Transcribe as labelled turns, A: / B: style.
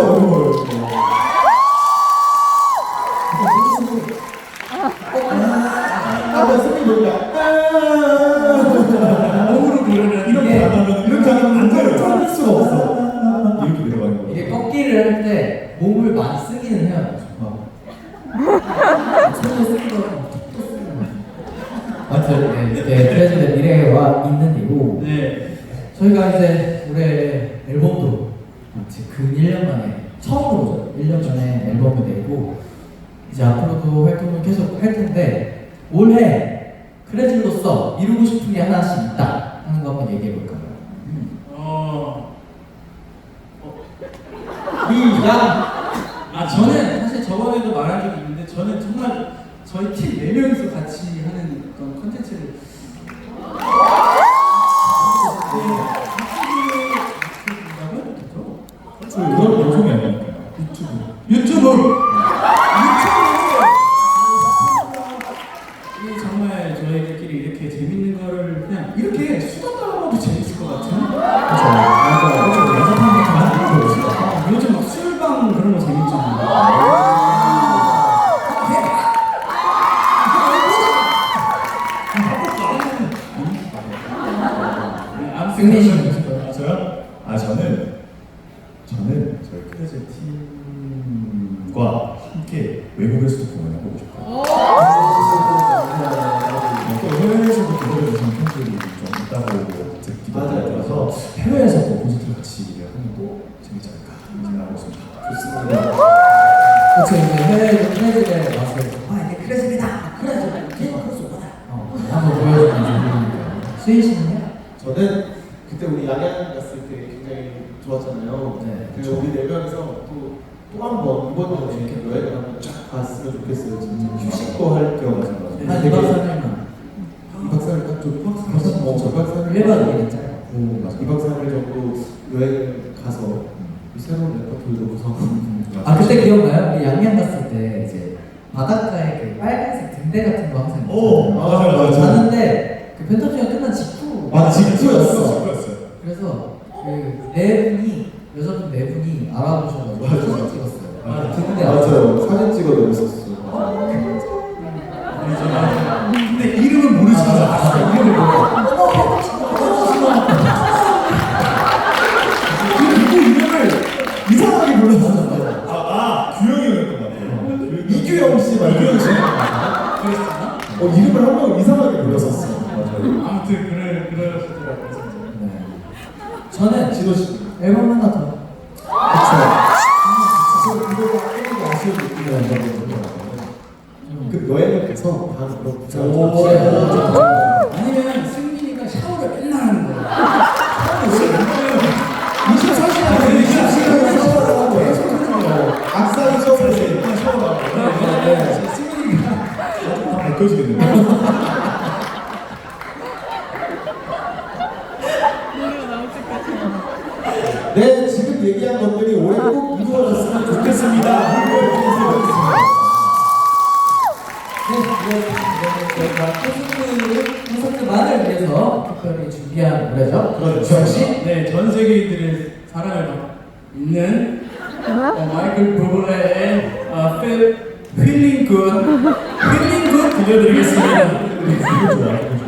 A: 어려워요. 선생님 여기가
B: 몸으로 부르면
A: 이렇게 안 하면 이렇게 하면 안 돼요. 찾을 수가 없어. 이렇게 내려가는 거.
C: 이게 꺾기를 할 때 몸을 많이 쓰기는 해야 돼요. 손을 쓰기도 하고 아무튼 네, 이렇게 그래서 미래와 있는 이고
B: 네.
C: 저희가 이제 올해 앨범도 지금 근 1년 만에 처음으로 1년 만에 앨범을 내고 이제 앞으로도 활동을 계속 할 텐데 올해 크레즐로서 이루고 싶은 게 하나씩 있다 하는 거 한번 얘기해 볼까요?
B: 저는 사실 저번에도 말한 적이 있는데 저는 정말 저희 팀 4명이서 같이 하는 그런 컨텐츠를
A: 그런 방송이 아니니까요.
B: 유튜브 이 정말 저희들끼리 이렇게 재밌는 거를 그냥 이렇게 수다 떨어도 재밌을 것 같은 요즘 막 술방 그런 거 재밌잖아요.
C: 승리신
A: 저요? 저는 저희 크레즐 팀과 함께 외국에서도 공연을 하고 싶어요. 또 해외에서도 기다려주시는 팬들이 좀 있다고 듣기도 들어서 해외에서 또 콘서트를 같이 하면 또 재밌지 않을까 생각하고 있습니다. 좋습니다.
C: 그렇죠. 이제 해외 크레즐에 와서 이게 크레즐이다. 크레즐 한번 보여주면 좋으니까. 수인 씨는요?
D: 저는 그때 우리 양양 갔을 때 굉장히 좋았잖아요.
C: 네,
D: 그래서 우리 4명이서 또 한 번 이번 여름에 이렇게 여행을 한번 쫙 갔으면 좋겠어요. 진짜 휴식도 할 겸
C: 한 2박 3일만.
D: 2박 3일 딱좀 2박 3일
C: 1박 2일은 짧고
D: 2박 3일 정도 여행을 가서 새로운 레퍼토리도 구성하고
C: 아 그때 기억나요? 우리 양양 갔을 때 이제 바닷가에 그 빨간색 등대 같은 거 항상
A: 오, 맞아요.
C: 자는데 그 펜타지가 끝난 직후
A: 직후였어.
C: 그래서 그 네 분이 여자분 네 분이 알아보셔가지고 사진 찍었어요. 등대
D: 맞아요. 사진 찍어 놓으셨어요.
A: 근데 이름은 모르시잖아.
C: 이름을 모르고
A: 그리고 이름을 이상하게 불렀었어요. 규영이었던 것 같아요. 이규영 씨 말고 이규영 씨. 이름을 한 번 이상하게 불렀었어. 맞아요.
B: 아무튼 그러시더라고요.
C: 네. 저는
D: 진호 씨.
C: 앨범 하나 더.
D: 그거 아쉬운 느낌이 나거든요. 그 여행을 가서 바로 그런
B: 아니면 승민이가 샤워를 맨날 하는 거야.
A: 24시간 샤워하고
D: 악사이 셔츠를
B: 승민이가
A: 다 밝혀지겠네요.
D: 네, 지금 얘기한 것들이 올해 꼭 이루어졌으면 좋겠습니다.
C: 저희가 콘서트만을 위해서 특별히 준비한 노래죠.
D: 그렇죠.
C: 역시
B: 네, 전 세계인들의 사랑을 받는 마이클 부블레의 힐링 굿 들려드리겠습니다.
A: 좋아.